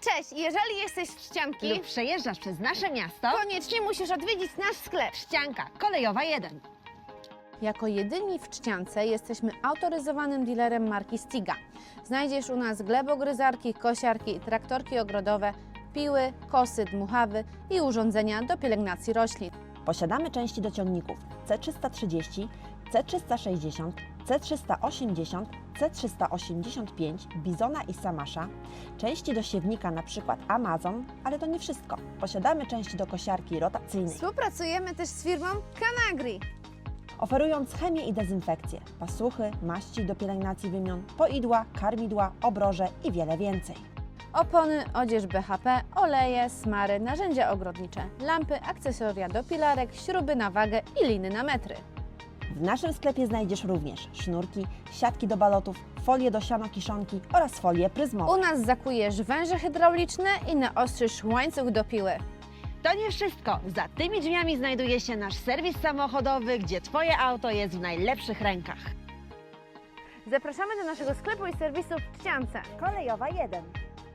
Cześć, jeżeli jesteś z Trzcianki, lub przejeżdżasz przez nasze miasto, koniecznie musisz odwiedzić nasz sklep. Trzcianka Kolejowa 1. Jako jedyni w Trzciance jesteśmy autoryzowanym dealerem marki Stiga. Znajdziesz u nas glebogryzarki, kosiarki, traktorki ogrodowe, piły, kosy, dmuchawy i urządzenia do pielęgnacji roślin. Posiadamy części do ciągników C330, C360, C380, C385, Bizona i Samasza, części do siewnika np. Amazon, ale to nie wszystko. Posiadamy części do kosiarki rotacyjnej, Współpracujemy też z firmą Canagri. oferując chemię i dezynfekcję, pasuchy, maści do pielęgnacji wymion, poidła, karmidła, obroże i wiele więcej. Opony, odzież BHP, oleje, smary, narzędzia ogrodnicze, lampy, akcesoria do pilarek, śruby na wagę i liny na metry. W naszym sklepie znajdziesz również sznurki, siatki do balotów, folie do sianokiszonki oraz folie pryzmowe. U nas zakujesz węże hydrauliczne i naostrzysz łańcuch do piły. To nie wszystko. Za tymi drzwiami znajduje się nasz serwis samochodowy, gdzie Twoje auto jest w najlepszych rękach. Zapraszamy do naszego sklepu i serwisu w Trzciance. Kolejowa 1.